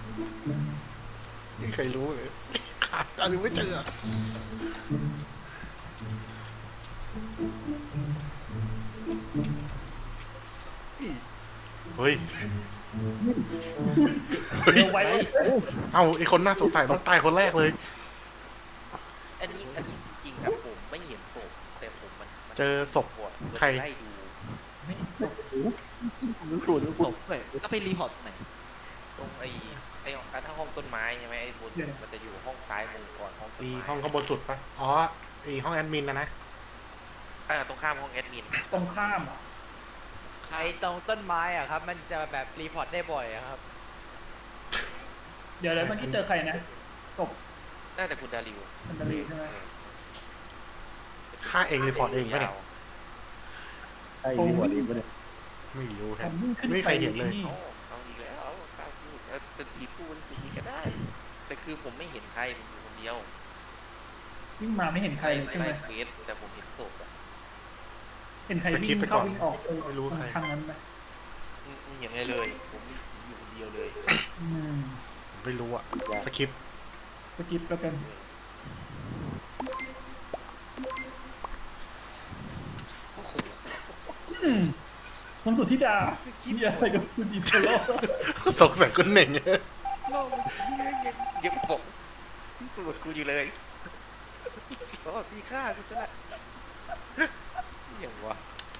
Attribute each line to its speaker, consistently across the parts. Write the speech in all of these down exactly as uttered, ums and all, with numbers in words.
Speaker 1: ไม่มีใครรู้เลยขาดอะไรไม่เจอเฮ้ยเฮ้ย
Speaker 2: เร็วไว้เว้ย
Speaker 1: เอาไอคนน่าสงสัยต้องตายคนแรกเลย
Speaker 3: อันนี้อันนี้จริงๆครับผมไม่เห็นศพแต่ผมมันมัน
Speaker 1: เจอศพ
Speaker 3: ปวด
Speaker 1: ใคร
Speaker 3: ไล่ดู
Speaker 2: รู้สูตรรู้
Speaker 4: ศ
Speaker 2: สูต
Speaker 4: พเลยก็ไปรีพอร์ตไหน
Speaker 3: ตรงไอ้ไอ้อันห้องต้นไม้ใช่ไหมไอ้บนมันจะอยู่ห้องซ้ายมือก่อนห้องต้น
Speaker 1: อี
Speaker 3: ไม้
Speaker 1: ห้องข้างบนสุดปะอ๋ออีห้องแอดมินนะนะ
Speaker 3: อ่าตรงข้ามห้องแอดมิน
Speaker 2: ตรงข้ามอ่ะ
Speaker 4: ไอ้ตรงต้นไม้อะครับ มันจะแบบรีพอร์ตได้บ่อยอะครับ
Speaker 2: เดี๋ยวเดี๋ยวเมื่อกี้เจอใครนะศพ
Speaker 3: น่าจะคุณดาริว
Speaker 2: มันดารีใช่ไหม
Speaker 1: ฆ่าเองรีพอร์ตเองปะเนี่ย
Speaker 5: ใช่รีพอร์ตเองปะเนี่ย
Speaker 1: ไม่รู้
Speaker 2: ผ
Speaker 1: แท้
Speaker 2: มวิ่งขึ้น
Speaker 1: ไม่มี
Speaker 2: ไป
Speaker 1: ใครเห็นเลย
Speaker 2: นี่
Speaker 3: เอาเอาอีกแล้วเอากล้าพูดเออจะอีกพูดสิก็ได้ แต่คือผมไม่เห็นใครผมอยู่คนเดียว
Speaker 2: วิ่งมาไม่เห็นใครเลยใช่ไหม
Speaker 3: ไล่เฟสแต่ผมเห็นศพอะ
Speaker 2: เห็นใครวิ่งเข้าวิ่งออกเออ
Speaker 1: ไม่รู้ใคร
Speaker 2: ทางนั้นไหม
Speaker 3: อืมอืมอย่างไงเลยผมอยู่คนเดียวเลย
Speaker 2: อืม
Speaker 1: ไม่รู้อะสคริปต์
Speaker 2: สกิปแล้วกันอืมคุณสุทธิดามีอะไรกับคุณอีเทโล
Speaker 1: สงสัยคุณเหน่ง
Speaker 3: โลกมันยังยังยังบอกที่สุดกูอยู่เลยขอตีฆ่ากูจะละอย่างวะ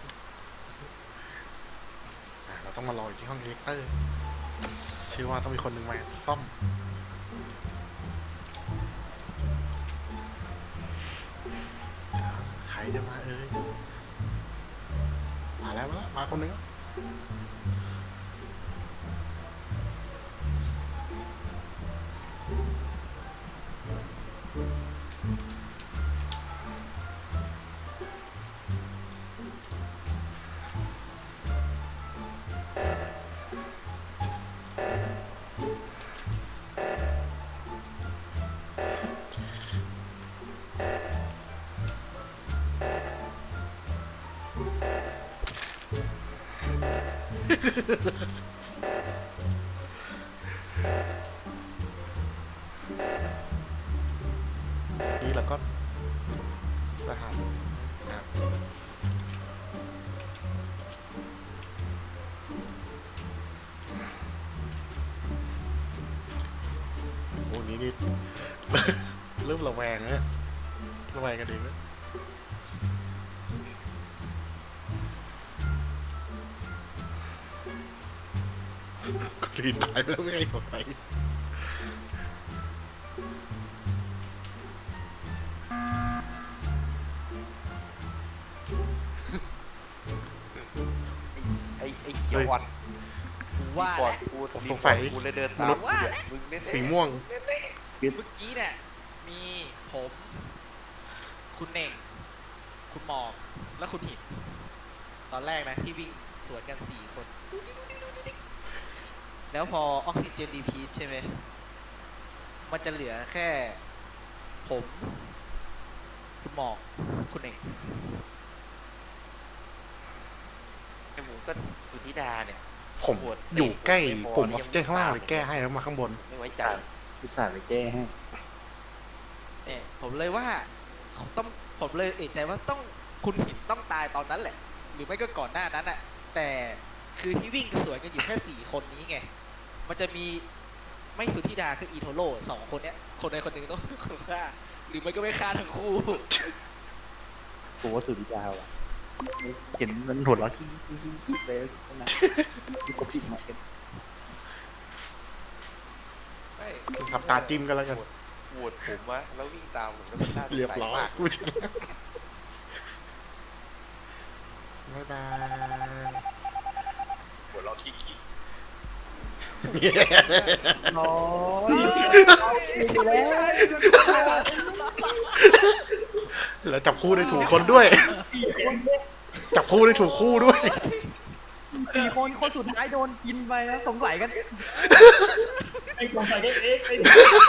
Speaker 1: อ่ะเราต้องมารออยู่ที่ห้องเอ็กเตอร์เชื่อว่าต้องมีคนหนึ่งมาซ่อมใครจะมาเอ้ยมาแล้วมาแล้วมาคนหนึงแล้วนี่เราก็สถานครับโอ้นี่นี่ เริ่มระแวงแล้วระแวงกันเองแล้วก็รีตายไปแล้วไม่ให้สนใจ
Speaker 3: ไอ้ไอ้เขียวอ่อน
Speaker 4: ว่า
Speaker 3: ก่อน
Speaker 4: แล้ว
Speaker 3: กู
Speaker 1: ผมสงสัย
Speaker 3: กูเลยเดินตาม
Speaker 4: ว่าแล้ว
Speaker 3: มึงเล่น
Speaker 1: สีม่วง
Speaker 4: เมื่อกี้เนี่ยมีผมคุณเน่ง คุณหมอกและคุณหิน ตอนแรกนะที่วิ่งสวนกันสี่คน แล้วพอออกซิเจนดีพีใช่ไหม มันจะเหลือแค่ ผม คุณหมอก คุณเน่ง
Speaker 3: ไอ้หมูก็สุธิดาเนี่ย
Speaker 1: ผมอยู่ใกล้ปุ่มออกซิเจนข้างล่างเลยแก้ให้แล้วมาข้างบน
Speaker 3: ไม่ไว้ใจ
Speaker 5: อุตส่าห์ไปแก้ให้
Speaker 4: เนี่ยผมเลยว่าเขาต้องผมเลยเอะใจว่าต้องคุณหินต้องตายตอนนั้นแหละ หรือไม่ก็ก่อนหน้านั้นอะแต่คือที่วิ่งสวนกันอยู่แค่สี่คนนี้ไง มันจะมีไม่สุธิดาคืออีโทโร่สองคนเนี้ย คนใดคนหนึ่งต้องคนฆ่า หรือไม่ก็ไม่ฆ่าทั้งคู่
Speaker 5: ผมว่าสุดยาวอ่ะเห็นมันหัวเราะขี้ขี้ขี้ขี้เลยนะที่เขาพิมพ์มาเป็น
Speaker 3: ไม่
Speaker 1: ทำตาจิ้มกันแล้วกัน
Speaker 3: โหวตผมวะแล้ววิ่งตามผมแล้วมันน่าสง
Speaker 1: เรียบ
Speaker 3: สัย
Speaker 1: ร้อย
Speaker 3: มาก
Speaker 1: กูจะบ๊ายบาย
Speaker 3: หัวเราะขี้ขี้
Speaker 5: น้อยเอาอีกแล้ว
Speaker 1: แล้วจับคู่ได้ถูกคนด้วย จับคู่ได้ถูกคู่ด้วย
Speaker 5: สี่คนคนสุดท้ายโดนกินไปแล้วสงสัยกัน
Speaker 2: ไอ้สงสัยกันเองไอ้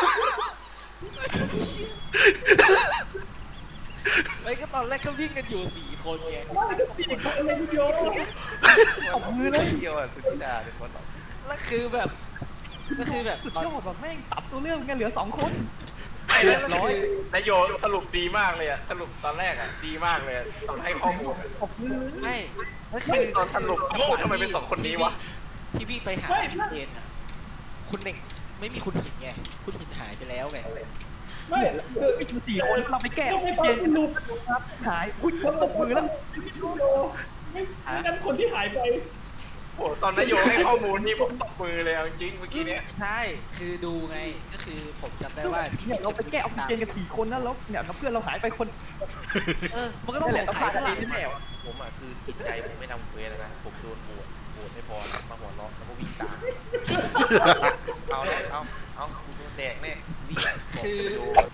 Speaker 4: ไม่ก็ตอนแรกก็วิ่งกันอยู่สี่คนไง
Speaker 2: พี่เขาเล่นโย
Speaker 3: ตบมือเลยเดียวอ่ะสุธิดาเป็นคนตอบ
Speaker 4: แล้วคือแบบก็คือแบบตอน
Speaker 2: ยอดแบบแม่งตับตัวเรื่องกันเหลือสองคน
Speaker 4: เรียบร้อย
Speaker 3: นายโยสรุปดีมากเลยอะสรุปตอนแรกอะดีมากเลยอะตอนให้ข้อมูลอะ
Speaker 2: ขอบคุณ
Speaker 4: ไม่ก็คื
Speaker 3: คือ
Speaker 4: อ
Speaker 3: ตอนสรุปโอ้ทำไมเป็นสองคนนี้วะ
Speaker 4: ที่พี่ไปหาคุณเจนอ่ะคุณเน่งไม่มีคุณหินไงคุณหินหายไปแล้วไง
Speaker 2: ไม่คือสี่คนเราไปแก้เย็นลูกครับหายอุ้ยคนตบมือแล้วไม่ไม่งั้นคนที่หายไป
Speaker 3: โอ้ตอนนายโยให้ข้อมูลนี่ผมตบมือเลยเอาจริงเมื่อกี้เนี้ย
Speaker 4: ใช่คือดูไงก็คือผมจำได้ว่าที่
Speaker 2: เนี่ยเราไปแก้ออกซิเจนกันสี่คนนะแล้วเนี่ยเพื่อนเราหายไปคน
Speaker 4: เออมันก็ต้องสงสัยว่าหลัง
Speaker 2: แน่ว
Speaker 6: ผมอ่ะคือจิตใจผมไม่ทำเควสแล้วนะ ผมโดนโหวตโหวตไม่พอนะมาหัวเราะแล้วก็วิ่งตาม เอาแล้วเอาเอากูโดนแดกแน่วิ่งบอก
Speaker 4: คือ
Speaker 6: โดน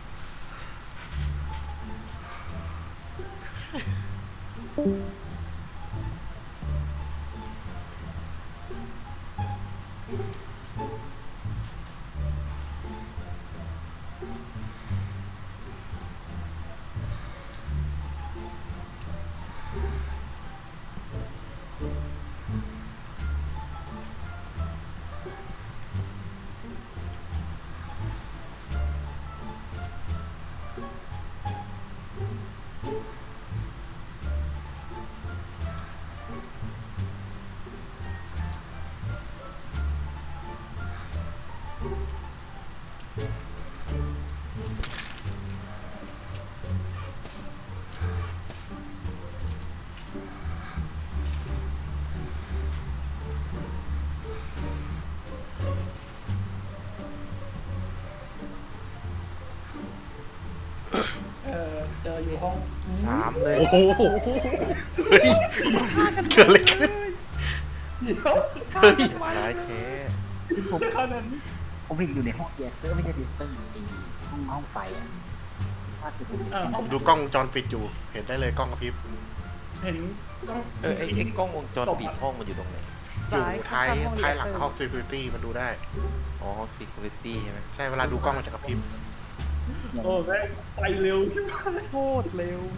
Speaker 2: เออเจออยู่ห้อง
Speaker 6: สามเลย
Speaker 1: โอ้โหเฮ้ยเกิดอะไรขึ้น
Speaker 2: เดี๋ยว
Speaker 1: เฮ้ย
Speaker 6: ร้ายแท้
Speaker 5: ผม
Speaker 2: ขนาดนี้
Speaker 5: ผมเห็นอยู่ในห้องแยกเตอร์ไม่ใช่ดิสเตอร์ไอ้ห้องห้องไฟอ่ะว่าคือผม
Speaker 2: เออ
Speaker 1: ผมดูกล้องวงจรปิดอยู่ เห็นได้เลยกล้องกระพริบ
Speaker 2: เห็น
Speaker 6: เออไอ้ไอ้กล้องวงจรปิดห้องมันอยู่ตรงไหน
Speaker 1: อยู่ท้ายท้ายหลังห้อง security มันดูได้
Speaker 6: อ๋อ security ใช่ไหม
Speaker 1: ใช่เวลาดูกล้องมันจะกระพริบ
Speaker 2: โอ้แม่งไปเร็วขึ้นมาโคตรเร็ว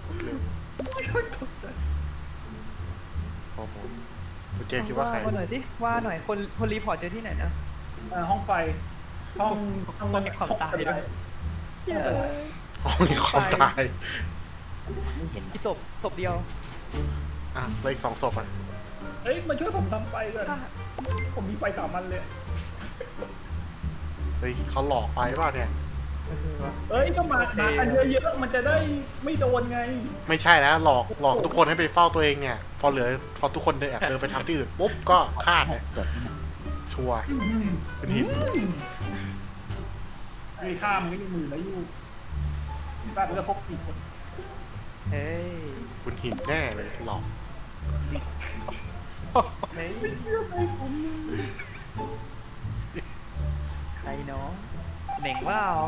Speaker 6: ข้อมูล
Speaker 1: คุณเจคิดว่าใคร
Speaker 7: ว่าหน่อยสิว่าหน่อยคนคนรีพอร์ตเจอที่ไหนนะ
Speaker 2: อ่าห้องไฟ ห้องห้อง
Speaker 7: ห้องเก็บความตายด้วย
Speaker 2: เออ
Speaker 1: ห้องนี้ความตาย
Speaker 5: ไม่เห็น
Speaker 7: อีศพศพเดียว
Speaker 1: อ่ะแล้วอีกสองศพอ่ะ
Speaker 2: เอ้ยมาช่วยผมทำไฟก่อนผมมีไฟสามอันเลย
Speaker 1: เฮ้ยเขาหลอกไปเปล่าเนี่ย
Speaker 2: เอ้ยก็มามากันเยอะๆมันจะได้ไม่โดนไง
Speaker 1: ไม่ใช่แล้วหลอกหลอกทุกคนให้ไปเฝ้าตัวเองเนี่ย พอเหลือพอทุกคนเดินแอบเดินไปทำที่อื่นปุ๊บก็ฆ่าเลย
Speaker 5: เกิดที่ไหน
Speaker 1: ชัวร์เป็นหิน
Speaker 2: มีข้ามไม่มีมือแล้วอยู่บ้านเราพกสี่คน
Speaker 7: เฮ้ย
Speaker 1: คุณหินแน่เลยหลอก
Speaker 7: เฮ้ยใครเนาะเหน่งว่าเอา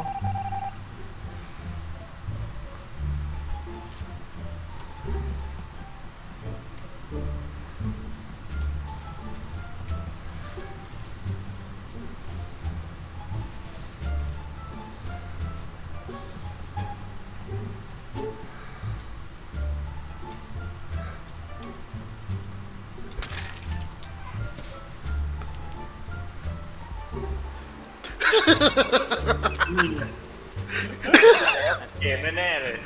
Speaker 3: เกมแน่ๆเลย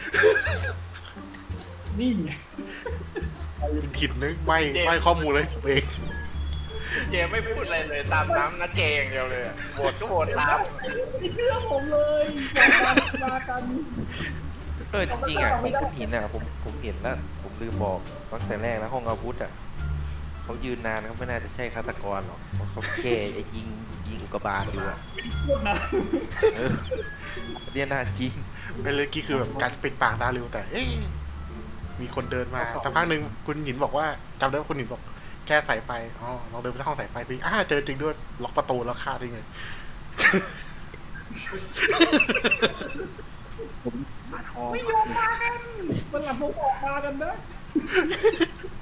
Speaker 2: นี่ไง
Speaker 1: คุณหินนึกไม่ไม่ข้อมูลเลยผมเอง
Speaker 3: เจมไม่พูดอะไรเลยตามน้ำนะเจอย่างเดียวเลยอะโหวตก็โหวตตาม
Speaker 2: ไม่เชื่อผมเลยมามากัน
Speaker 6: เออจริงๆอ่ะที่คุณหินอ่ะผมผมเห็นแล้ว ผมลืมบอกตั้งแต่แรกแล้วห้องอาวุธอ่ะเขายืนนานเขาไม่น่าจะใช่ฆาตกรหรอกเพราะเขาแก้ไอ้ยิงยิงอุกกาบาตอยู่อ่ะ
Speaker 2: พูดนะ
Speaker 6: เออเนี่ยน่าจริง
Speaker 1: เป็นเลยกี้คือแบบการปิดปากดาริวแต่เอ๊ะมีคนเดินมาสักพักหนึ่งคุณหินบอกว่าจำได้ว่าคุณหินบอกแค่สายไฟอ๋อเราเดินไปที่ห้องสายไฟพี่อ่าเจอจริงด้วยล็อกประตูแล้วฆ่าได้ไง
Speaker 5: ผมมาคอ
Speaker 2: ไม่ยอมมากันมันหลังผมออกมากันนะ